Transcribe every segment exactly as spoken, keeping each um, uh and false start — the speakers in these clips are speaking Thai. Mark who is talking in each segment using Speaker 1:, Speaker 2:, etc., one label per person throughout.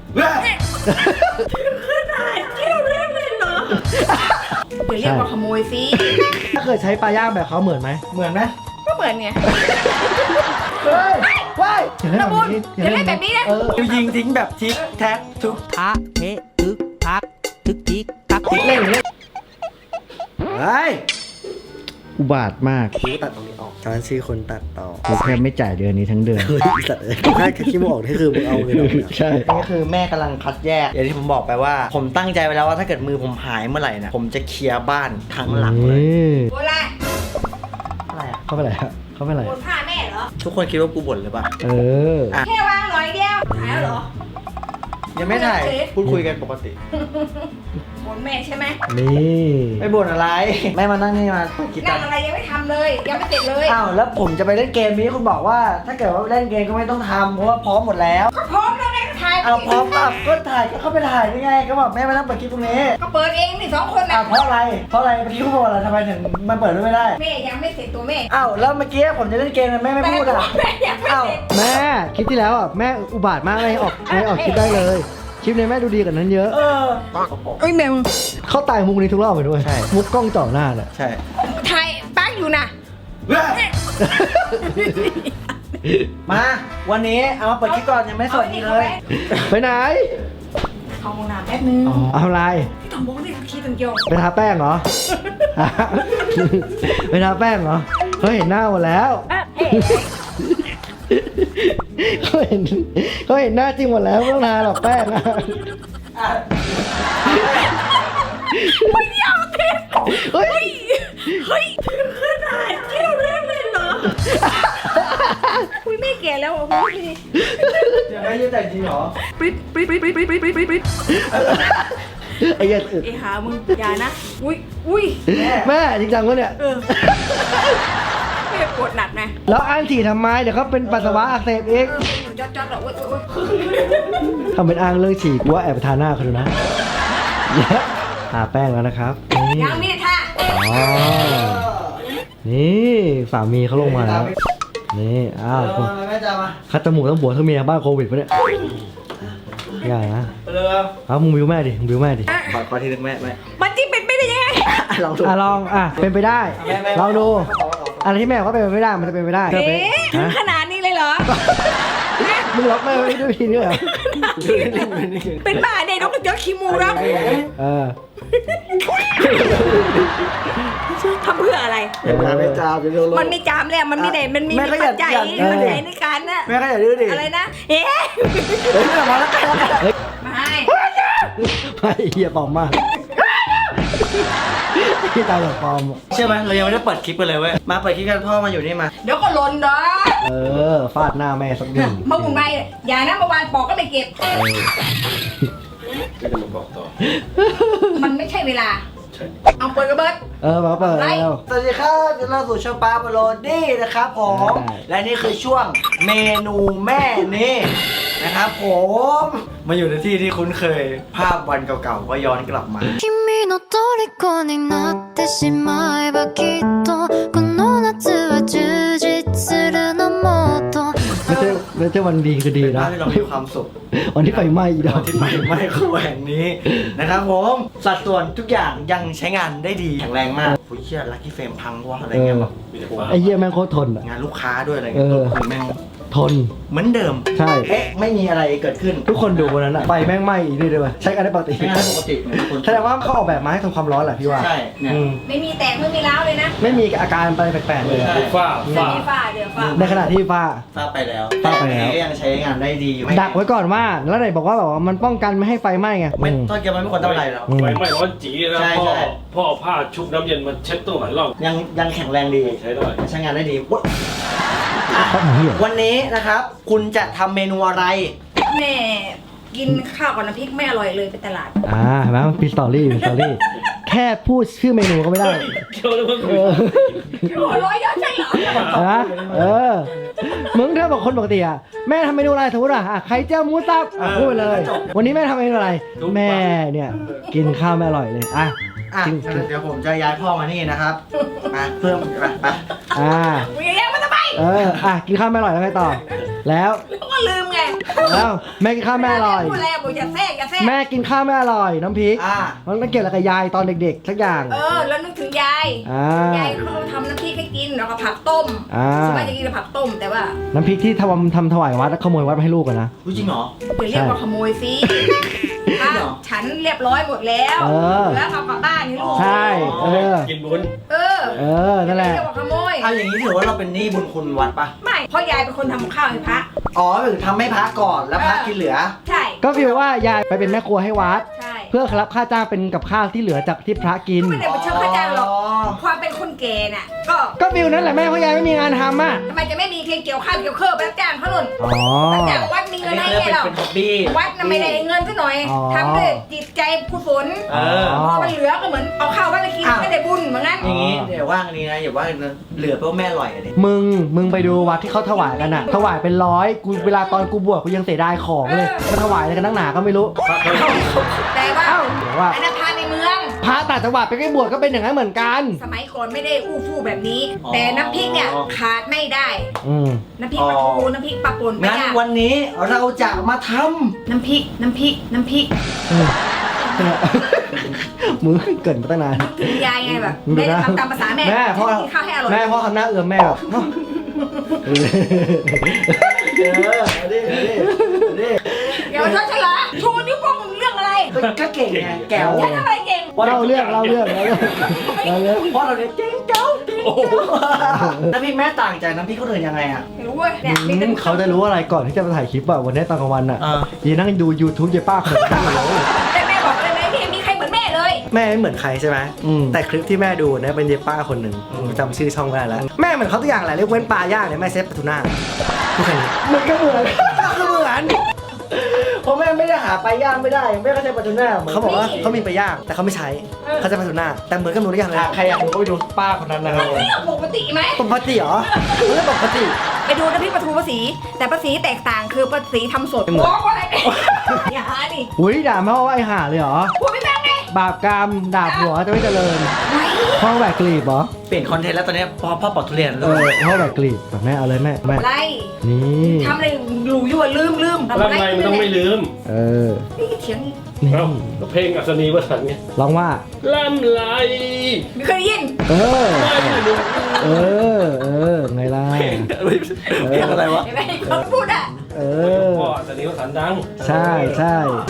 Speaker 1: ขนาดเที่ยวเล่นเลยเหรอเดี๋ยวเรียกว่าขโมยสิ
Speaker 2: ถ้าเคยใช้ปลาย่างแบบเขาเหมือนไหมเหมือนไหม
Speaker 1: ก็เหมือนไง
Speaker 2: เฮ้ยว้ายอย่าเล่น
Speaker 1: ระ
Speaker 2: แบ
Speaker 1: บุ
Speaker 2: บ
Speaker 1: น
Speaker 2: นี้
Speaker 1: อย่าเล่นแบบนี้นะ
Speaker 2: เออยิงทิ้งแบบทิกแท็กทุก
Speaker 3: ทะเททึกทักทึกทิกทักทิก
Speaker 2: เล่นเล่นเฮ้ยอุบาทมากกูตัดตรงนี้ออกฉันชื่อคนตัดต่อกูแค่ไม่จ่ายเดือนนี้ทั้งเดือนเฮ้ยสัตว์เอ้ยแค่คิดมึงออกนี่คือมึงเอาเงินออกใช่นี่คือแม่กำลังคัดแยกอย่างที่ผมบอกไปว่า ผมตั้งใจไว้แล้วว่าถ้าเกิดมือผมหายเมื่อไหร่นะผมจะเคลียร์บ้านทั้งหลังเลย
Speaker 1: โบราณ
Speaker 2: อะไรอ่ะเขาไปไหนอะเขาไปไหน
Speaker 1: โบนผ้าแม่เหรอ
Speaker 2: ทุกคนคิดว่ากูบ่นหรือเปล่าเออ
Speaker 1: แค่วางหน่อยเดียวหายแล้วเหรอ
Speaker 2: ยังไม่ถ่ายพูดคุยกันปกติ
Speaker 1: บ่นแม่ใช่ไหม
Speaker 2: นี่ไม่บ่นอะไรแม่มานั่งนี่มาคิดกั
Speaker 1: นั่
Speaker 2: น
Speaker 1: งอะไรยังไม่ทำเลยยังไม่เสร็จเลย
Speaker 2: อ้าวแล้วผมจะไปเล่นเกมนี้คุณบอกว่า ถ้าเกิดว่าเล่นเกมก็ไม่ต้องทำเพราะว่าพร้อมหมดแล้ว
Speaker 1: ก็พร้อมแล้วไงก็ถ่าย
Speaker 2: เอาพร้อมป่ะก็ถ่ายก็เข้าไปถ่ายได้ไงก็บอกแม่มานั่งเปิดคลิปตรงนี้
Speaker 1: ก็เปิดเองนี่สองคนนะ
Speaker 2: อ้าวเพราะอะไรเพราะอะไรเมื่อกี้คุณบอกอะไรทำไมถึงมันเปิดด้วยไม่ได้
Speaker 1: แม่ยังไม่เสร็จตัวแม่
Speaker 2: อ้าวแล้วเมื่อกี้ผมจะเล่นเกมแม่ไม่พูดอ่ะ
Speaker 1: แม่ยังไม่
Speaker 2: อ้าว
Speaker 1: เสร็จ
Speaker 4: แม่คลิปที่แล้วอ่ะแม่อุบาทมากเลยออกไม่ออกคลิปได้เลยคลิปนี้แม่ดูดีกว่านั้นเยอะ
Speaker 2: เออ
Speaker 1: เอ้ยแมว
Speaker 4: เข้าตายมุกนี้ทุกรอบไปด้วย
Speaker 2: ใช่
Speaker 4: มุกกล้องจ่อหน้าเนี่ย
Speaker 2: ใช่
Speaker 1: ถ่ายปักอยู่นะ
Speaker 2: มาวันนี้เอามาเปิดคลิปก่อนยังไม่สวัสดีเลย
Speaker 4: ไปไหน
Speaker 1: เข้าห้องน้ำแป๊บนึง
Speaker 4: เอาอะไร
Speaker 1: ที่ต้องบอกนี่ขี้ตังเกียว
Speaker 4: ไปทาแป้งเหรอ ไปทาแป้งเหรอเขาเห็นหน้าหมดแล้ว เขาเห็นเขาเห็นหน้าจริงหมดแล้วไม่ต้องทาหรอกแป้งอะ
Speaker 1: ไม่ยอมเทป
Speaker 4: เฮ้ย
Speaker 1: เฮ้ยขนาดเที่ยวเล่นเลยเหรอคุยไม่แก่แล้วอ่ะคุย
Speaker 2: เดี๋ยวแม่ยืดแต่จริงเหรอ
Speaker 1: ปริ๊ดปริ๊ดปริ๊ดปริ๊ดปริ๊ดปริ๊ดปริ๊ดปริ๊ด
Speaker 4: ไอ้เหี้ยอึด
Speaker 1: ไอ้หามึงอย่านะอุ้ยอุ้ย
Speaker 4: แม่จริงจังวะเนี่ย
Speaker 1: เออไม่ปวดหนักไง
Speaker 4: แล้วอันฉี่ทำไมเดี๋ยวเขาเป็นปัสสาวะอักเสบเอง
Speaker 1: เอออยู่จอดจอดๆอ่ะอุ้ยอุ้ย
Speaker 4: ทำเป็นอ้างเรื่องฉี่กูว่าแอบไปทาหน้าเขาดูนะทาแป้งแล้วนะครับนี่
Speaker 1: ยังไม่ได้ท่า
Speaker 4: อ๋อนี่สามีเขาลงมาแล้ว นี่อ้าว
Speaker 2: เออแม่จะมา
Speaker 4: คัดจมูกต้องบัวทั้งเมียบ้านโควิดปะเนี่ยอย่านะ
Speaker 2: เร็ว
Speaker 4: เอามึงบิวแม่ดิมึงบิวแม่ดิ
Speaker 2: ขอขอทีนึงแม่แม่
Speaker 1: มันที่เป็นไม่ได้ยังไง
Speaker 2: ลองดู
Speaker 4: อ่ะลองอ่ะเป็นไปได้
Speaker 2: แม่แม่
Speaker 4: ลองดูอะไรที่แม่ว่าเป็นไปไม่ได้มันจะเป็นไปได้
Speaker 1: เอ๊ะถึง
Speaker 4: ฮะ
Speaker 1: ขนาดนี้เลยเหรอ
Speaker 4: มึงล็อกแม่ไว้ด้วยวิธีนี้เหรอ
Speaker 1: เป็นบ้าเด็กนกกระจอกขี้มูแล้ว
Speaker 4: เออ
Speaker 1: ทำเพื่ออะไร
Speaker 2: เดี๋ยวแม่จามเดี๋ยวเร็วๆ
Speaker 1: มันไม่จามแล้วมันไม่ได้มันมี
Speaker 2: แม่ก็อย่า
Speaker 1: ปัจจัย
Speaker 2: อย่า
Speaker 1: ปัจจัยในการน่ะ
Speaker 2: แม่ก็อย่าดื้อดิ
Speaker 1: อะไรนะเอ๊ะ
Speaker 2: เฮ้ยมาแล้วกันแล้วกัน
Speaker 1: ไม่
Speaker 4: ไม่เหี้ยปลอมมากที่ตายแบบปลอมอะ
Speaker 2: เชื่อไหมเรายังไม่ได้เปิดคลิปกันเลยเว้ยมาเปิดคลิปกันพ่อมาอยู่นี่มา
Speaker 1: เดี๋ยวก็หล่นดอก
Speaker 4: เออฟาดหน้าแม่สักหนึ่ง
Speaker 1: เมื่อวันไปอย่านะเมื่อวานปอกก็ไม่เก็บ มันไม่ใช่เวลา เอาเปิดกระเบิด
Speaker 4: เออมาเปิดแล้ว
Speaker 2: สวัสดีครับยินดีต้อนรับสู่ช่องปาโปโลดี้นะครับผม
Speaker 4: ได้
Speaker 2: และนี่คือช่วงเมนูแม่นี่นะครับผมมาอยู่ในที่ที่คุ้นเคยภาพวันเก่าๆก็ย้อนกลับมา
Speaker 5: 君の虜になってしまえばきっとこの夏は充実するのもっと
Speaker 4: ไม่ใช่ไม่ใช่วันดีคือดี
Speaker 2: เป็น
Speaker 4: นะ
Speaker 2: ภาพที่เรามีความสุข
Speaker 4: วันที่ไฟไหม้อีดอก
Speaker 2: ที่ไม่ไม่คู่แห่งนี้นะครับผมสัดส่วนทุกอย่างยังใช้งานได้ดีแข็งแรงมากโอ้ยเชี่ยลัคกี้เฟรมพังวะอะไรเงี้ยแบบ
Speaker 4: ไอ้เหี้ยแม่งโคตรทนอ่ะ
Speaker 2: งานลูกค้าด้วยอะไรเงี้ย
Speaker 4: เออ
Speaker 2: ตัวคือแม่ง
Speaker 4: ทน
Speaker 2: เหมือนเดิม
Speaker 4: ใช่
Speaker 2: เอ๊ะไม่มีอะไรเกิดขึ้น
Speaker 4: ทุกคนดูวันนั้นอ่ะไฟแม่งไหม้อีกด้วยด้วยใช้กันได้ปกติ
Speaker 2: ใช้งานได้ปกติเหมือนคน
Speaker 4: แสดงว่าเขาออกแบบมาให้ทนความร้อนแหละพี่ว่า
Speaker 2: ใช่เนี่ย
Speaker 4: อืม
Speaker 1: ไม่มีแตกไม่มีร้าวเลยนะ
Speaker 4: ไม่มีอาการอะไรแปลกๆเลยอะ
Speaker 6: ฝ้า
Speaker 1: ไม่
Speaker 6: ฝ้า
Speaker 1: มีฝ้าเดี๋ยวฝ้า
Speaker 4: ในขณะที่ฟ้า
Speaker 2: ทราบไปแล้ว
Speaker 4: ทราบไปแล้ว
Speaker 2: ต่ยังใช้งานได้ดีอยู่
Speaker 4: ดักไว้ก่อนว่า แล้วไหนบอกว่าแบบว่ามันป้องกันไม่ให้ไฟไหม้ไง
Speaker 2: ไม่
Speaker 4: อืม
Speaker 2: ต้นเกียวมันไม่ควรทำอะไรแล้ว
Speaker 4: อืม
Speaker 6: ไฟไหม้ร้อนจีนะ
Speaker 2: ใช่
Speaker 6: พ่อ
Speaker 2: ใช่
Speaker 6: พ่อเอาผ้าชุบน้ำเย็นมาเช็ดตั้งหลายรอบ
Speaker 2: ยังยังแข็งแรงดี
Speaker 6: ใช้ได้
Speaker 2: ใช้งานได้ดีอุ๊ยอ่ะ
Speaker 4: เขาหนีเหรอ
Speaker 2: วันนี้นะครับ คุณจะทำเมนูอะไร
Speaker 1: แม่กินข้าวกับน้ำพริกไม่อร่อยเลยไปตลาด
Speaker 4: อ่าเห็นไหมมันมีสตอรี่มีสตอรี่แค่พูดชื่อเมนูก็ไม่ได้
Speaker 6: เกี่ยวเลยมึง
Speaker 4: เออ
Speaker 1: โอ้ร้อยเยอะใช่เหรอ
Speaker 4: นะเออ มึงถ้าบอกคนปกติอ่ะแม่ทำเมนูอะไรสมมติอ่ะอ่ะไข่เจียวหมูสับอ่ะพูดไปเลย วันนี้แม่ทำเมนูอะไร แม่เนี่ยกินข้าวไม่อร่อยเลยอ่ะ
Speaker 2: อ่ะ
Speaker 4: จริง
Speaker 2: เดี๋ยวผมจะย้ายพ่อมานี่นะครับมาเพิ่มไปไป
Speaker 4: อ่า
Speaker 1: มึงอย่าแย่งมันทำไม
Speaker 4: เอออ่ะกินข้าวไม่อร่อยแล้วไงต่อแล้ว
Speaker 1: แล้วก็ลืมไง
Speaker 4: แล้วแม่กินข้าวแม่อร่อย
Speaker 1: พูดอะไรบอกอย่าแทรกอย่าแทรก
Speaker 4: แม่กินข้าวแม่อร่อยน้ำพริก
Speaker 2: อ่า
Speaker 4: มันเกี่ยวอะไรกับยายตอนเด็กๆสักอย่าง
Speaker 1: เออแล้วนึกถึงยาย
Speaker 4: อ่าย
Speaker 1: ายเขาทำน้ำพริกให้กินแล้วก็ผักต้ม
Speaker 4: อ่า
Speaker 1: สมัยจะกินแต่ผักต้มแต่ว่า
Speaker 4: น้ำพริกที่ทำทำถวายวัดแล้วขโมยวัดมาให้ลูกอะนะ
Speaker 2: รู้จริงเหรอ
Speaker 1: อย่าเรียกว่าขโมยสิถ้าฉันเรียบร้อยหมดแล้ว
Speaker 4: เออ
Speaker 1: แล้วเอากลับบ้านนี่ลูก
Speaker 4: ใช่เออ
Speaker 6: กินบุญ
Speaker 1: เออ
Speaker 4: เออนั่นแหละ
Speaker 1: ไม่เรียกว่าขโมย
Speaker 2: เอาอย่างนี้ถือว่าเราเป็นหนี้บุญคุณวัดปะ
Speaker 1: ไม่เพราะยายเป็นคนทำกับข้าวให้พระ
Speaker 2: อ๋อคือทำให้พระก่อนแล้วพระกินเหลือ
Speaker 1: ใช่
Speaker 4: ก็ฟีลว่ายายไปเป็นแม่ครัวให้วัด
Speaker 1: ใช่
Speaker 4: เพื่อรับค่าจ้างเป็นกับข้าวที่เหลือจากที่พระกิน
Speaker 1: ไม่ได้ไปเชิญข้าจ้างหรอก
Speaker 2: อ๋อ
Speaker 1: ความเป็นคนแก่น่ะ ก็
Speaker 4: ก็ฟิลนั้นแหละแม่เพราะยายไม่มีงานทำอ่ะ
Speaker 1: ทำไมจะไม่มีเเกี่ยวข้าวเกี่ยวเครื่องไปรับจ้างเขาหนุน
Speaker 4: อ๋อ
Speaker 1: รับจ้างวัดมี
Speaker 2: อัน
Speaker 1: เงิน
Speaker 2: นี้
Speaker 1: ให้
Speaker 2: เขาเรียก
Speaker 1: ไง
Speaker 2: เป็น
Speaker 1: เรา
Speaker 2: เป็นฮ็อบบี้
Speaker 1: วัดน่ะไม่ได้เงินซะหน่อย
Speaker 4: อ๋อ
Speaker 1: ทำด้วยจิตใจกุศล
Speaker 2: เออ
Speaker 1: พอมันเหลือก็เหมือนเอาข้าววัดไปกิน
Speaker 2: อ้าว
Speaker 1: ไม่ได้บุญเหมือนกัน
Speaker 2: อย่างนี้เดี๋ยวว่าอันนี้นะอย่าว่าเหลือเพราะแม่อร่อยอะดิ
Speaker 4: มึง มึงไปดูวัดที่เขาถวายกันอ่ะ ถวายเป็นร้อย กูเวลาตอนกูบวชกูยังเสียดายของเลยมาถวายอะไรกันนักหนาก็ไม่รู้
Speaker 6: พระเคย
Speaker 1: แต่ว่า
Speaker 4: เอ้าเดี๋ยวว่า
Speaker 1: อันนั้นพาในเมือง
Speaker 4: พระต่างจังหวัดไปใกล้บวชก็เป็นอย่างนั้นเหมือนกัน
Speaker 1: สมัยก่อนไม่ได้อู้ฟู่แบบนี้ แต่น้ำพริกเนี่ยขาดไม่ได้
Speaker 4: อืม
Speaker 1: น้ำพริกปลาทูน้ำพริกปลาป่นไม่
Speaker 2: งั้น
Speaker 1: ยาก
Speaker 2: วันนี้เราจะมาท
Speaker 1: น้ำพริกน้ำพริกน้ำพริก
Speaker 4: มึงเกินมาตั้งนาน
Speaker 1: ถึงยายไงแบบ
Speaker 4: มึงดู
Speaker 1: แม่
Speaker 4: นะ
Speaker 1: จะทำตามภาษาแม่
Speaker 4: แม่พ่อ
Speaker 1: กินข้าวให้อร่อย
Speaker 4: แม่พ่อทำหน้าเอื้อมแม่แบบ
Speaker 2: ำเออเอาดิเอาดิเอาดิ
Speaker 1: เดี๋ยวฉันฉลาดชูนิ้วโป้งเรื่องอะไร
Speaker 2: ก็เก่งไงแก้ว
Speaker 1: ฉันทำอะไรเก่ง
Speaker 4: เล่าเรื่องเล่าเรื่องเล่าเรื่องเล่าเรื่อง
Speaker 2: เพราะเราเนี่ยเก่งเก้าเก่งเก้าน้ำพริกแม่ต่างจากน้ำพริกคนอื่นยังไงอ่ะ
Speaker 1: ไม่รู้เว้ยเนี่ยมี
Speaker 4: อื
Speaker 1: แต่
Speaker 4: มเขาจะรู้อะไรก่อนที่จะมาถ่ายคลิปอะวันนี้ตอนกลางวันอะ
Speaker 2: อ่า
Speaker 4: ยีนั่งดู YouTube เยป้าขนมปังอยู่เลย
Speaker 1: แต่แม่บอกเลยนะพี่มีใครเหมือนแม่เลย
Speaker 2: แม่ไม่เหมือนใครใช่ไหม
Speaker 4: อืม
Speaker 2: แต่คลิปที่แม่ดูเนี่ยเป็นเยป้าคนหนึ่งจำชื่อช่องไม่ได้แล้ว แม่เหมือนเขาตัวอย่างแหละเรียกเว้นปลาย่างเนี่ยแม่เซฟปลาทูน่าทุกคน
Speaker 4: มันก็เหมือน
Speaker 2: ก็คือเหมือน
Speaker 4: เพราะแม่ไม่ได้หาปลาย่างไม่ได้แม่ก็ใช้ปลาทูน่าหมืน
Speaker 2: เขาบอกว่าเขามีปลาย่างแต่เขาไม่ใช้เขาจะปลาทูน่าแต่เหมือนกันหมดทุกอย่างเลย
Speaker 4: อ่ะใครอยากดูก็ไปดูป้าคนนั้นนะครับ
Speaker 1: มันเรื่องปกติไหม
Speaker 2: ปกติเหรอไม่ใช่ปกติ
Speaker 1: ไปดูน้ำพริกปลาทูภาษีแต่ภาษีแตกต่างคือภาษีทำสด
Speaker 2: ไม่เหมือน
Speaker 1: บอกว่าอะไรเนี่ยอย่าหาดิ
Speaker 4: อุ้ยด่าแม่ว่าไอ้ห่าเลยเหรอ
Speaker 1: พูดไม่แม่งไง
Speaker 4: บาปกรรมด่าผัวจะไม่เจริญ
Speaker 1: เฮ้ย
Speaker 4: พ่อแหวกกลีบเหรอ
Speaker 2: เปลี่ยนคอนเทนต์แล้วตอนนี้พ่อพ่อปอกทุเรียน
Speaker 4: เออพ่อแหวกกลีบแม่เอาเลยแม่แม่
Speaker 1: อะไร
Speaker 4: นี่
Speaker 1: ทำอะไรหลูอยู่อะลืมลืมทำ
Speaker 6: ร่า
Speaker 1: อะ
Speaker 6: ง
Speaker 1: ไร
Speaker 6: กายมันต้องไม่ลืม
Speaker 4: เออ
Speaker 1: นี่เถียงอีก
Speaker 4: นี่
Speaker 6: เอ้าก็เพลงอัศนีวสันต์ไง
Speaker 4: ร้องว่า
Speaker 6: ล่ำไหล
Speaker 1: ไม่เคยได้ยิน
Speaker 4: เออ
Speaker 6: ไม่ลืม
Speaker 4: เออ เออ ไงล่ะ
Speaker 2: เพลงอะไรวะ
Speaker 1: เห็นไหมเขาพูดอ่ะ
Speaker 4: เออ
Speaker 6: พ่ออัศนีวสันต์ดัง
Speaker 4: ใช่ใช่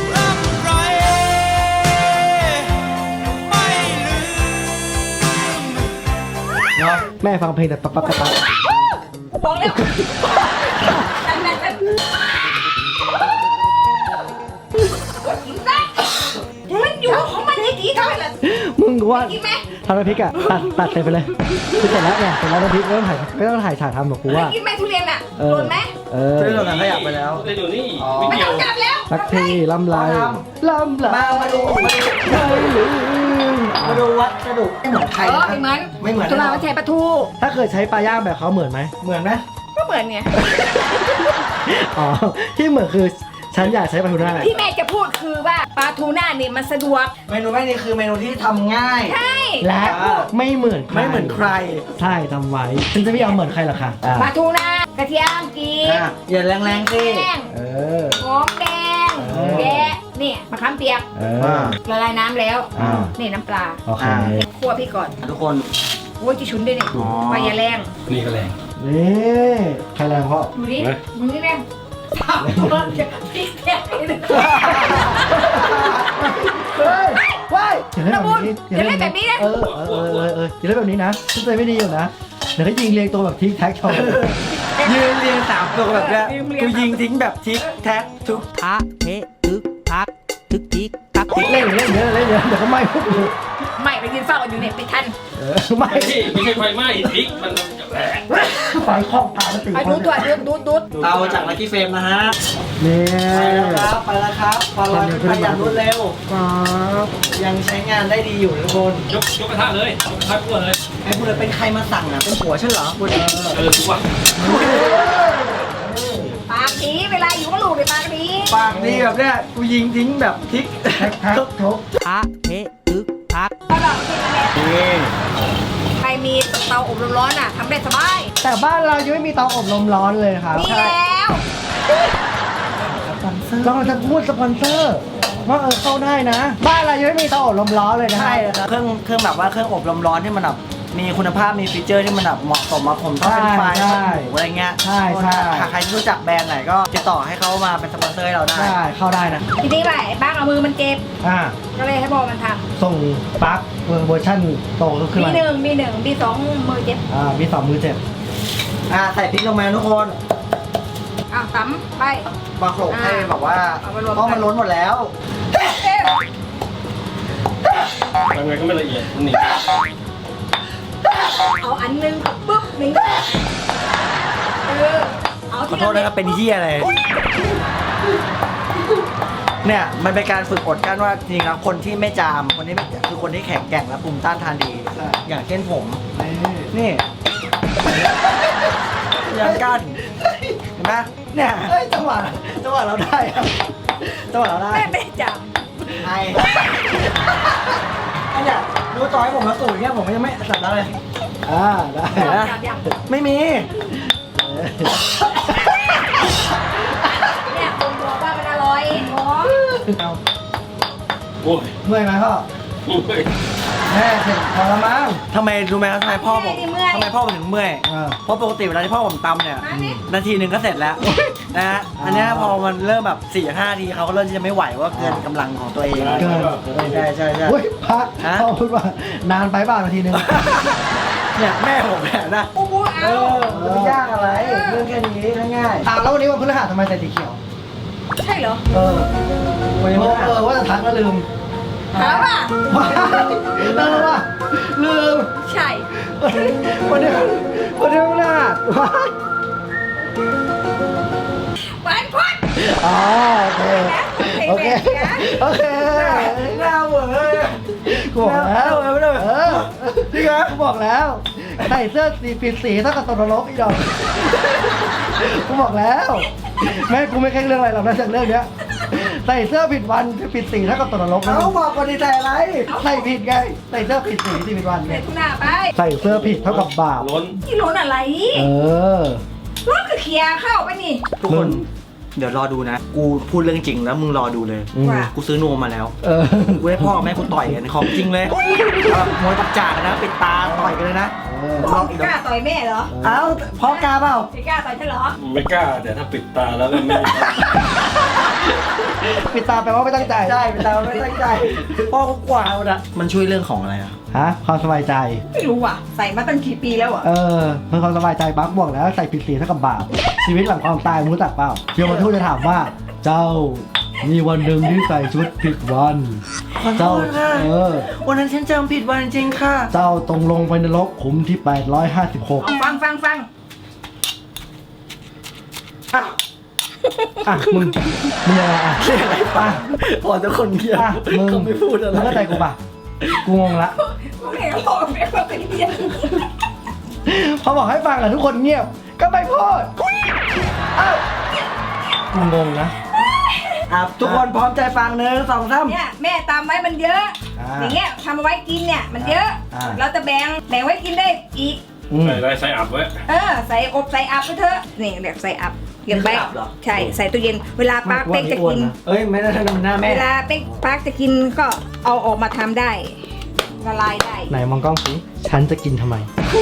Speaker 2: เนาะ
Speaker 4: แม่ฟังเพลงแต่ปั๊บปั๊บปั๊บปั๊บ
Speaker 1: บอกแล้วนั่นนั่นนั่นกินได้มันอยู่ของมันให้ดีเท่าไหร่ล่ะ
Speaker 4: มึงว่า
Speaker 1: กินไหม
Speaker 4: ทำน้ำพริกอ่ะ ตัดตัดเสร็จไปเลยคือเสร็จแล้วเนี่ยเสร็จแล้วน้ำพริกไม่ต้องถ่ายไม่ต้องถ่ายฉากทำหรอกกูว่า
Speaker 1: กินไหมทุเรียนอ่ะ
Speaker 4: เอ
Speaker 1: โด
Speaker 4: อน
Speaker 1: ไหม
Speaker 4: เออ
Speaker 2: เรื่องนั้นขยับไปแล้ว
Speaker 6: ได้อยู่นี่
Speaker 2: อ๋อ
Speaker 6: ไม่
Speaker 1: ไม่
Speaker 6: เกี่ย
Speaker 1: ต้
Speaker 6: ว
Speaker 1: องจับแล้ว
Speaker 4: สักทีลำไรลำไร
Speaker 2: มามาดูมาดู
Speaker 4: ไม่ลืม
Speaker 2: มาดูวัดกระดูกไม่เหมือนใคร
Speaker 1: เออ
Speaker 2: นะ
Speaker 1: ไม่เหมือน
Speaker 2: ไม่เหมือน
Speaker 1: ตุลาวัชชัยปลาทู
Speaker 4: ถ้าเกิดใช้ปลาย่างแบบเขาเหมือนไหม
Speaker 2: เหมือนไหม
Speaker 1: ก็เหมือนไง
Speaker 4: อ๋อ ที่เหมือนคือฉันอยากใช้ปลาทูน่า
Speaker 1: ที่แม่จะพูดคือว่าปลาทูน่าเนี่ยมันสะดวก
Speaker 2: เมนูแม่นี่คือเมนูที่ทำง่าย
Speaker 1: ใช่
Speaker 4: และไม่เหมือนใคร
Speaker 2: ไม่เหมือนใคร
Speaker 4: ใช่ทำไว้ฉันจะไม่เอาเหมือนใครหรอกค่ะอ่ะ
Speaker 1: ปลาทูน่ากระเทียมกี
Speaker 2: อ่ะอย่าแรงๆสิ
Speaker 1: แป้ง
Speaker 4: เออ
Speaker 1: หอมแดง
Speaker 4: เออ
Speaker 1: แยะนี่มะขามเปียก
Speaker 4: เอ
Speaker 2: อ่า
Speaker 4: อ
Speaker 1: ละลายน้ำแล้ว
Speaker 4: อ่า
Speaker 1: นี่น้ำปลา
Speaker 4: โอเค
Speaker 2: อ่า
Speaker 1: คั่วพี่ก่อน
Speaker 2: ทุกคน
Speaker 1: โอ้ยจะชุนด้วยเนี่ย
Speaker 2: อ๋อ
Speaker 1: ไฟอย่าแรง
Speaker 6: นี่ก็แรง
Speaker 4: นี่ใครแรงเพราะ
Speaker 1: ดูดิ
Speaker 6: ไหน
Speaker 1: มึงนี่แรงสามคนพริกแกงเลย
Speaker 4: เฮ้ยว้ายอย่าเล่น
Speaker 1: ระ
Speaker 4: แบ
Speaker 1: บุ
Speaker 4: บ
Speaker 1: ญ
Speaker 4: นี้
Speaker 1: อย่าเล่นแบบนี้นะ
Speaker 4: เออเออเออเอออย่าเล่นแบบนี้นะฉันใจไม่ดีอยู่นะเดี๋ยวก็ยิงเรียงตัวแบบทิกแท็กโชว์
Speaker 2: ยืนเรียงสามตัวแบบเนี้ยกูยิงทิ้งแบบทิกแท็กทุก
Speaker 3: พระเททึกทัก ทึกทิกทักทิก
Speaker 4: เล่นเล่นเยอะเล่นเยอะเดี๋ยวก็ไหม้พวกกู
Speaker 1: ไม่ไปยืนเฝ้าอยู่เนี่ยไปทัน
Speaker 4: เออไหม้
Speaker 6: ไม่ไม่ใช่ไฟไหม้พริกมันจะแหลก
Speaker 4: ไฟครอบตาสติ
Speaker 1: ไปดูตัวดูดูดู
Speaker 2: เอาจากลักกี้เฟรมนะฮะ
Speaker 4: นี่
Speaker 2: ไปแล้วครับไปแล้วครับไปแล้วไปอย่างรวดเร็ว
Speaker 4: ครับ
Speaker 2: ยังใช้งานได้ดีอยู่ทุกคน
Speaker 6: ยกยกกระทะเลยยกกระทะคั่วเลย
Speaker 2: ไอ้คุณเป็นใครมาสั่งอ่ะเป็นผัวฉันเหรอคุณ
Speaker 6: เออทุกวัน
Speaker 1: ปากผีเวลาอยู่กับลูกในปากผี
Speaker 2: ปากดีแบบเนี้ยกูยิงทิ้งแบบทิก
Speaker 4: แท็กแท็กทุก
Speaker 3: พระเททึกทัก
Speaker 1: เขาบอกที่นี่แหละ
Speaker 2: นี่
Speaker 1: ใครมีมีเตาอบลมร้อนอ่ะทำได้สบาย
Speaker 4: แต่บ้านเรายังไม่มีเตาอบลมร้อนเลยครับ
Speaker 1: มีแล้ว
Speaker 4: เราจะพูดสปอนเซอร์ว่าเออเข้าได้นะ บ้านเรายังไม่มีเตาอบลมร้อนเลยนะ
Speaker 2: ใช่ครับเครื่องเครื่องแบบว่าเครื่องอบลมร้อนที่มันแบบมีคุณภาพมีฟีเจอร์ที่มันแบบเหมาะสมมาผมต้องเป็นไฟล์หมูอะไรเงี้ย
Speaker 4: ใช่ใช่
Speaker 2: ถ้าใครที่รู้จักแบรนด์ไหนก็ติดต่อให้เขามาเป็นสปอนเซอร์ให้เราได้
Speaker 4: ใช่เข้าได้นะ
Speaker 1: ทีนี้ไปบ้างเอามือมันเจ็บ
Speaker 4: อ่า
Speaker 1: ก็เลยให้บอกมันท
Speaker 4: ส่งปลั๊กเวอร์ชันโต
Speaker 1: ำ
Speaker 4: ขึ้น
Speaker 1: มี
Speaker 4: มา
Speaker 1: หนึ่งมีหนึ่งมีสองมือเจ็บ
Speaker 4: อ่ามีสองมือเจ็บ
Speaker 2: อ่าใส่พริกลงมาทุกคน
Speaker 1: อ้าวตำไป
Speaker 2: บางโขลกให้แบบว่า
Speaker 1: เอามารวมกัน
Speaker 2: เพราะมันล้นหมดแล้ว
Speaker 6: ทำไงก็ไม่ละเอียดมันหนี
Speaker 1: เอาอันหนึงปุ๊บหนึ่งเออเอา
Speaker 2: ขอ
Speaker 1: ที่
Speaker 2: โทษนะครับเป็นเฮียอะไรเนี่ยมันเป็นการฝึกอดกลั้นว่าจริงๆแล้วคนที่ไม่จามคนที่ไม่คือคนที่แข็งแกร่งและภูมิต้านทานดี อย่างเช่นผม นี่ยังกั้นเห็นไหมเนี่ย
Speaker 4: เอ้ยจังหวะจังหวะเราได้ครับจังหวะเราได้
Speaker 1: แม่ไม่ได้จับ
Speaker 2: ไอไอ้เนี่ยดูต่อให้ผมมาสูตรเนี่ยผมยังไม่สับแล้วเลย
Speaker 4: อ่าได้
Speaker 1: จับยัง
Speaker 2: ไม่มี
Speaker 1: เนี่ยคนบอกว่ามันอร่อยอ๋อ
Speaker 4: เอา
Speaker 6: โอ้ย
Speaker 4: เมื่อยไหมพ่อ
Speaker 6: โอ้ย
Speaker 4: แม่เสร็จพอแล้วมั้ง
Speaker 2: ทำไมรู้ไหมทำไมพ่อผมทำไมพ่อผมถึงเมื่อย
Speaker 4: อ่า
Speaker 2: เพราะปกติเวลาที่พ่อผมตำเนี่ย นาทีหนึ่งก็เสร็จแล้วนะฮะอันเนี้ยพอมันเริ่มแบบสี่ห้าทีเขาก็เริ่มที่จะไม่ไหวว่าเกินกำลังของตัวเอง
Speaker 4: เกิน
Speaker 2: ใช่ใช่ใช่
Speaker 4: เฮ้ยพัก
Speaker 2: ฮะ
Speaker 4: พ่อพูดว่านานไปเปล่านาทีนึง
Speaker 2: เนี่ยแม่ผมเนี่ยนะ
Speaker 1: ปูปู
Speaker 2: เอ
Speaker 1: เอา
Speaker 2: อมันไม่ยากอะไรเรื่องแค่นี้ง่าย
Speaker 4: อ่าแล้ววันนี้วันพฤหัสทำไมใส่สีเขียว
Speaker 1: ใช่เหรอ
Speaker 4: เออ
Speaker 2: ๆวันนี้
Speaker 4: เอ
Speaker 2: มัน
Speaker 4: อเออว่าจะทักแล้วลืม
Speaker 1: ถามป่ะ
Speaker 4: ว้ายแล้วว่าลืม
Speaker 1: ใช่
Speaker 4: วันนี้วันนี้วันพฤหัสว้าย
Speaker 1: วันพุธ
Speaker 4: อ๋อโอเค โอเค โอเค
Speaker 2: หน้าเหวอ
Speaker 4: กูบอกแล้ว
Speaker 2: หน้าเหวอไม่ได้
Speaker 4: เออ
Speaker 2: จริงเหรอ
Speaker 4: กูบอกแล้ว ใส่เสื้อสีผิดสีเท่ากับตกนรกอีดอกกูบอกแล้ว แม่กูไม่แค่เรื่องอะไรหรอกนะจากเรื่องเนี้ย ใส่เสื้อผิดวันผิดสีเท่ากับตกนรกนะ
Speaker 2: เขาบอกคนดีใจอะไร
Speaker 4: ใส่ผิดไง ใส่เสื้อผิดสีที่ผิดวันไง
Speaker 1: เด็กคุณหน้าไป
Speaker 4: ใส่เสื้อผิดเท่ากับบาป
Speaker 6: ล้น
Speaker 1: ที่ล้นอะไร
Speaker 4: เออ
Speaker 1: รถคือเคลียร์เข้าไปนี่
Speaker 2: ทุกคน เดี๋ยวรอดูนะ กูพูดเรื่องจริงแล้วมึงรอดูเลย
Speaker 4: อืม
Speaker 2: กูซื้อนวมมาแล้ว
Speaker 4: เออ
Speaker 2: กูให้พ่อกับแม่กูต่อยกันของจริงเลยแบบมวยตับจากกันนะปิดตาต่อยกันเลยนะ
Speaker 4: เออ
Speaker 2: ลองอีก
Speaker 1: กล้าต่อยแม่เหรอ
Speaker 2: เอ้าพ่อกล้าเปล่า
Speaker 1: ไม่กล้าต่อยฉันเหรอ
Speaker 6: ไม่กล้าแต่ถ้าปิดตาแล้วก็ไม่
Speaker 4: ปิดตาแปลว่าไม่ตั้งใจ
Speaker 2: ใช่ปิดตาไม่ตั้งใจพ่อกูกว่าเอาละมันช่วยเรื่องของอะไรอ่ะ
Speaker 4: ฮะ ความสบายใจ
Speaker 1: ไม่รู้ว่ะ ใส่มาตั้งกี่ปีแล้วอ่ะ
Speaker 4: เออเพื่อความสบายใจบักบอกแล้วใส่ผิดสีเท่ากับบาป ชีวิตหลังความตายมึงรู้จักเปล่าเดี๋ยวมาทูตจะถามว่า เจ้ามีวันหนึ่งที่ใส่ชุดผิดวัน
Speaker 2: ขอโท
Speaker 4: เจ้า
Speaker 2: ษค่ะ
Speaker 4: เออ
Speaker 2: วันนั้นฉันจำผิดวันจริงๆค่ะ
Speaker 4: เจ้าตรงลงไปในนรกขุมที่แปดร้อยห้าสิบหก
Speaker 1: เอาฟังฟังฟัง
Speaker 2: อ้าว
Speaker 4: อ่ะมึงมึงยังไงอ่ะ
Speaker 2: เรื่องอะไรปะพอทุกคนเงียบ
Speaker 4: อ่ะมึง
Speaker 2: เขาไม่พูดอะไร
Speaker 4: มึงเข้าใจกูป่ะกูงงละ
Speaker 1: กูเห็นเขาบอกไม่ว่าเป็นเพี้ยน
Speaker 4: พอบอกให้ฟังอ่ะทุกคนเงียบ ก็ไม่พูดอ้าวกูงงนะ
Speaker 2: อ่ะทุกคนพร้อมใจฟังหนึ่งสองสาม
Speaker 1: เนี่ยแม่ตามไว้มันเยอะ
Speaker 4: อ่า
Speaker 1: อย่างเงี้ยทำเอาไว้กินเนี่ยมันเยอะ
Speaker 4: อ่า
Speaker 1: เราจะแบ่งแบ่งไว้กินได้อีก
Speaker 4: อืม
Speaker 6: ใส่อะไรใส่อับไว้
Speaker 1: เออใส่อบใส่อับไปเถอะนี่แบบใส่อับเก็บไว้ใช่ใส่ตู้เย็นเวลาปาร์คเป๊กจะกิน
Speaker 2: เอ้ยไม่ได้ทำหน้าแม่
Speaker 1: เวลาเป๊กปาร์คจะกินก็เอาออกมาทำได้ละลายได้
Speaker 4: ไหนมองกล้องสิฉันจะกินทำไม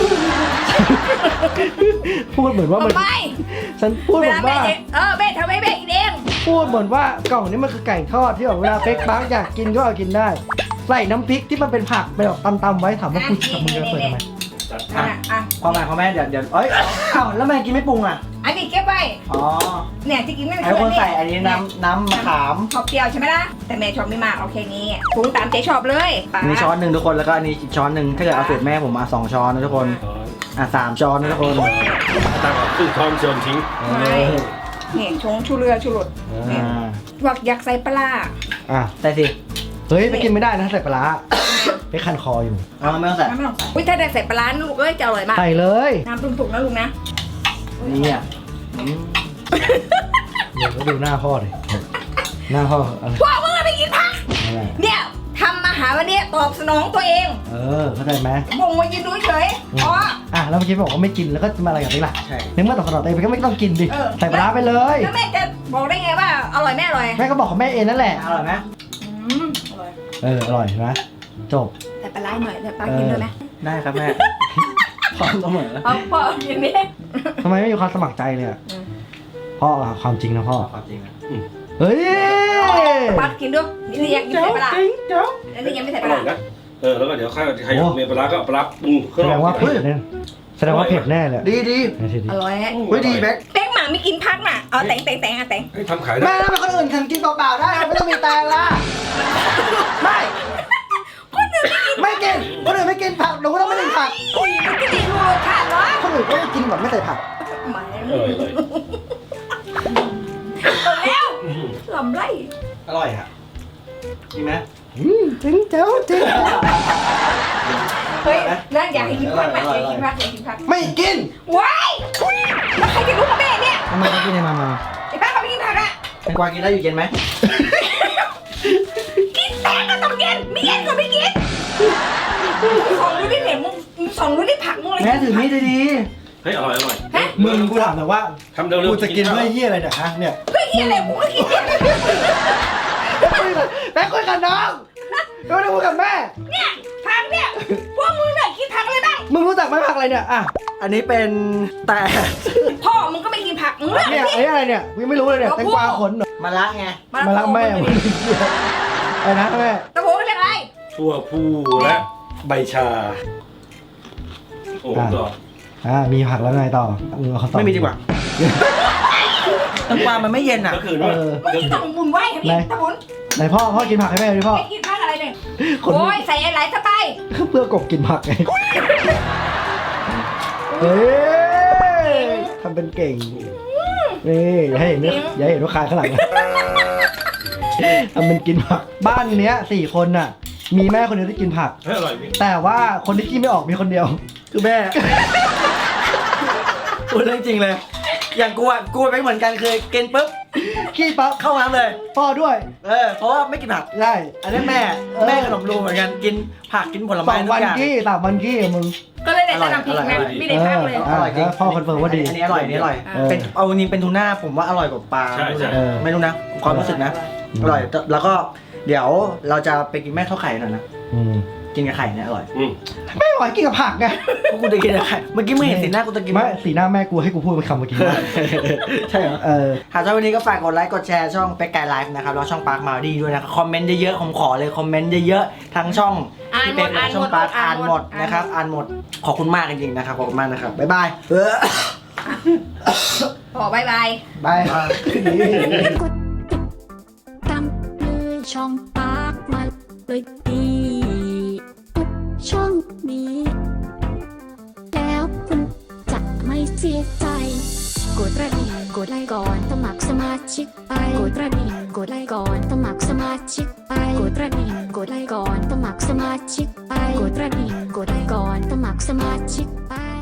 Speaker 4: พูดเหมือนว่ามัน
Speaker 1: ทำไม
Speaker 4: ฉันพูด
Speaker 1: เว
Speaker 4: เหมือ
Speaker 1: ลาน แม่
Speaker 4: ว่า
Speaker 1: เองเออแม่ทำให้แม่กินเอง
Speaker 4: พูดเหมือนว่ากล่องนี้มันคือไก่ทอดที่แบบเวลาเป๊กปังอยากกินก็เอากินได้ ใส่น้ำพริกที่มันเป็นผักไปแบบตำๆไว้ถามว่าคุณกับมึงจะเปิดทำไม
Speaker 6: จัด
Speaker 1: อ่ะอ่ะ
Speaker 2: ความหมายของแม่เดี๋ยวเดี๋ยวเอ้ยอ้าวแล้วแม่กินไม่ปรุงอ่ะ
Speaker 1: อันนี้เก็บไว้
Speaker 2: อ๋อ
Speaker 1: เนี่ยที่กินไม่
Speaker 2: ไอ้คนใส่อันนี้น้ำน้ำมะขาม
Speaker 1: ชอบเปรี้ยวใช่ไหมล่ะแต่แม่ชอบไม่มากเอาแค่นี้ปรุงตามใจชอบเลยป๋า
Speaker 2: อันนี้ช้อนหนึ่งทุกคนแล้วก็อันนี้อีกช้อนหนึ่งถ้าเกิดเอาสูตรแม่ผมมาสองช้อนนะทุกคน
Speaker 6: ช้อน
Speaker 2: อ่ะสามช้อนนะทุกคน
Speaker 6: ตั้งเอาครึ่งช้อนโยนทิ้ง
Speaker 1: ไม่เนี่ยชงชูเรือชูรส
Speaker 2: อ่า
Speaker 1: วักอยากใส่ปลาร้า
Speaker 4: อ่ะ
Speaker 2: ใส่สิ
Speaker 4: เฮ้ยไปกินไม่ได้นะใส่ปลาร้าไปคันคออยู่
Speaker 2: เอาไม่ต้องใส่
Speaker 1: ไม่ต้องใส่อุ้ยถ้าได้ใส่ปลาร้านะลูกเอ้ยจะอร่อยมาก
Speaker 4: ใส่เลย
Speaker 1: น้ำปรุงสุกนะลูกนะ
Speaker 2: นี่อ่ะ
Speaker 4: เดี๋ยวก็ดูหน้าพ่อดิหน้าพ่ออะไร
Speaker 1: พ่อมึงอะไปกินผัก
Speaker 4: อะไร
Speaker 1: เนี่ยทำอาหาวันนี้ตอบสนองตัวเอง
Speaker 4: เออเข้าใจไหม
Speaker 1: บ่งมายืนดูเฉยอ๋อ
Speaker 4: อ่ะแล้วเมื่อกี้บอกว่าไม่กินแล้วก็จะมาอะไรกับนี่ล่ะ
Speaker 2: ใช่
Speaker 4: ในเมื่อตอบสนองตัวเองก็ไม่ต้องกินดิ
Speaker 1: เออ
Speaker 4: ใส่ปลาร้าไปเลย
Speaker 1: แล้วแม่จะบอกได้ไงว่าอร่อยไม่อร่อย
Speaker 4: แม่ก็บอกของแม่เองนั่นแหละ
Speaker 2: อร่อยไหม
Speaker 1: อืมอร่อย
Speaker 4: เอออร่อยเห็นไหมจบ
Speaker 1: แต่ปลาร้าหน่อยแต่ปลากินด้วยไหม
Speaker 2: ได้ครับแม่พร้อมเสมอ
Speaker 1: เอาพ่อกินนี่
Speaker 4: ทำไมไม่มีความสมัครใจเลยอะ
Speaker 1: อืม
Speaker 4: พ่ออะความจริงนะพ่อ
Speaker 2: ความจริงนะ
Speaker 4: เฮ้ย
Speaker 1: ปลากินด้วยนี่ยังไม่ใส่ปลาร้าอันนี้ยังไม่ใส่
Speaker 6: อ
Speaker 1: ปลา
Speaker 6: ร่
Speaker 1: ร้า
Speaker 6: อยนะเออแล้วก็เดี๋ยวใครใครอยากมีปลาร้าก็ปลาร้าปรุงเค
Speaker 4: แส
Speaker 6: รื่อง
Speaker 4: ดงว่าเผ็ดแน่แสดงว่าเผ็ดแน่เลย
Speaker 2: ดีดี
Speaker 4: ไม่ใช่ดิ
Speaker 1: อร่อย
Speaker 2: เฮ้ยดีแบ็ค
Speaker 1: แป้งหมาไม่กินพักน่ะเอาแต่งแต่งแต่งอ่ะแต่ง
Speaker 6: ให้ทำขาย
Speaker 2: แม่
Speaker 6: ได้
Speaker 2: ทำไมคนอื่นถึงกินเปล่าๆได้ไม่ต้องมีแตงล่ะไม่
Speaker 1: คนอื่นไม่กิน
Speaker 2: ไม่กินคนอื่นไม่กินผักหนูก็ต้องไม่กินผัก
Speaker 1: อุ้ยมันก็ดีรู้รสชาติเนาะ
Speaker 2: คนอื่นก็กินแบบไม่ใส่ผัก
Speaker 1: หมาย
Speaker 6: เออเลย
Speaker 1: แล้วลำไร
Speaker 2: อร่อยอ่ะจริงไหม
Speaker 4: อืมจริงเจ้าจริง
Speaker 1: เฮ้ยนั่นอยากให้กินพักไหมอยากกินพักอยากกินพัก
Speaker 2: ไม่กิน
Speaker 1: ว้ายแล้วใครจะรู้กับแม่เนี่ย
Speaker 4: ทำไมต้องกินในมามา
Speaker 1: ไอ้ป้าเขาไม่กินผักอ่ะ
Speaker 2: แตงกวากินได้อยู่เย็นไหม
Speaker 1: กินแตงก็ต้องเย็นไม่เย็นก็ไม่กินสองรู้ดิเนี่ยมึงสองรู้ดิผักมึงเลย
Speaker 4: แม่ถือมีดดี
Speaker 6: เฮ้ยอร่อยอร่อย
Speaker 1: ฮะ
Speaker 4: ๆมึงกูถามหน่อยว่า
Speaker 6: ทำเร็วๆ
Speaker 4: กูจะกินด้วยเหี้ยอะไรเนี่ยฮะเนี่ย
Speaker 1: เฮ้ยอะไรกูก็กินเนี่ย
Speaker 4: แม่คุยกับน้องไม่ได้คุยกับแม่
Speaker 1: เนี่ยผักเนี่ยพวกมึงเนี่ยกินผักอะไรบ้าง
Speaker 4: มึงรู้จักไหมผักอะไรเนี่ยอ่ะ
Speaker 2: อันนี้เป็นแต่
Speaker 1: พ่อมึงก็ไม่กินผักมึงเลือก
Speaker 4: เนี่ย
Speaker 1: สิ
Speaker 4: ไอ้อะไรเนี่ยกูยังไม่รู้เลยเนี่ยแตงกวาขนเหรอ
Speaker 2: มะระไง
Speaker 4: มาลักแม่มึงไอ้นะแม่
Speaker 1: ตะโพกเรียกอะไร
Speaker 6: ทั่วผู้และใบชาโอ้ต่อ
Speaker 4: อ่ามีผักแล้วไงต่อมึงเอาคำตอบ
Speaker 2: ไม่มีดีกว่าแตงกวามันไม่เย็นอ่ะ
Speaker 6: ก็คือว่า
Speaker 1: ไม่ต้องบุญไหวครับพี่ตะบุญ
Speaker 4: ไหนพ่อพ่อกินผักให้แม่ดิพ่อ
Speaker 1: ไม่กินผักอะไรเนี่ย
Speaker 4: คน
Speaker 1: โอ้ยใส่อะไรเข้าไป
Speaker 4: เพื่อกบกินผักไงเฮ้ยทำเป็นเก่งนี่อย่าให้เห็นนะอย่าให้เห็นว่าคายข้างหลังนะทำเป็นกินผักบ้านเนี้ยสี่คนน่ะ มีแม่คนเดียวที่กินผัก
Speaker 6: เฮ้ยอร่อยพี่
Speaker 4: แต่ว่าคนที่กินไม่ออกมีคนเดียว
Speaker 2: คือแม่ พูดเรื่องจริงเลย อย่างกูอ่ะกูเป็นเหมือนกันเคยกินปุ๊บ
Speaker 4: ขี้ปั๊บ
Speaker 2: เข้าน้ำเลย
Speaker 4: พ่อด้วย
Speaker 2: เออเพราะว่าไม่กินผัก
Speaker 4: ได้
Speaker 2: อันนี้แม่แม่ขนมรูเหมือนกันกินผักกินผล
Speaker 4: ส
Speaker 2: ไม้
Speaker 4: อง
Speaker 2: ทุ
Speaker 4: วั
Speaker 2: ก
Speaker 4: น
Speaker 2: อย่าง
Speaker 4: กี้สามวันกี้มึง
Speaker 1: ก็เลยได้แต่น้ำพริกนะไม่ได้ผักเลย
Speaker 4: เอ
Speaker 2: อร่อยจริง
Speaker 4: พ่อคอนเฟิร์มว่าดี
Speaker 2: อันนี้อร่อยอันนี้อร่อย
Speaker 1: เออ
Speaker 2: เป็นเอาจริงเป็นทูน่าผมว่าอร่อยกว่าปลา
Speaker 6: ใช่ใช่
Speaker 4: เออ
Speaker 2: ไม่รู้นะความรู้สึกนะอร่อยแล้วก็เดี๋ยวเราจะไปกินแม่ข้าวไข่หน่อยนะ
Speaker 4: อืม
Speaker 2: กินกับไข่เนี่ยอร่อย
Speaker 6: อืม
Speaker 4: ไม่ไหวกินกับผักไง
Speaker 2: กูจะกินกับไข่เมื่อกี้มึงเห็นสีหน้ากูจะกิน
Speaker 4: ไม่สีหน้าแม่กูให้กูพูดเป็นคำเมื่อกี้
Speaker 2: ใช่เหรอ
Speaker 4: เออ
Speaker 2: หากชอบวันนี้ก็ฝากกดไลค์กดแชร์ช่องเป็กไกด์ไลฟ์นะครับแล้วช่องปาร์คมาดีด้วยนะครับคอมเมนต์เยอะๆผมขอเลยคอมเมนต์เยอะๆทั้งช่อง
Speaker 1: อ่าน
Speaker 2: พี่
Speaker 1: หม
Speaker 2: เป็
Speaker 1: ด
Speaker 2: กและ
Speaker 1: อ่าน
Speaker 2: ช่
Speaker 1: ห
Speaker 2: อ
Speaker 1: ม
Speaker 2: ง
Speaker 1: ด
Speaker 2: ปาร์คอ่านหมดนะครับอ่านหมดขอบคุณมากจริงๆนะครับขอบคุณมากนะครับบ๊ายบายเออ
Speaker 1: พอบายบาย
Speaker 4: บาย
Speaker 5: ตามเลยช่องปากมาเลยดีทุกช่องนี้ แล้วคุณจะไม่เสียใจ กดกระดิ่งกดไลค์ก่อนสมัครสมาชิกไปกดกระดิ่งกดไลค์ก่อนสมัครสมาชิกไปกดกระดิ่งกดไลค์ก่อนสมัครสมาชิกไปกดกระดิ่งกดไลค์ก่อนสมัครสมาชิกไป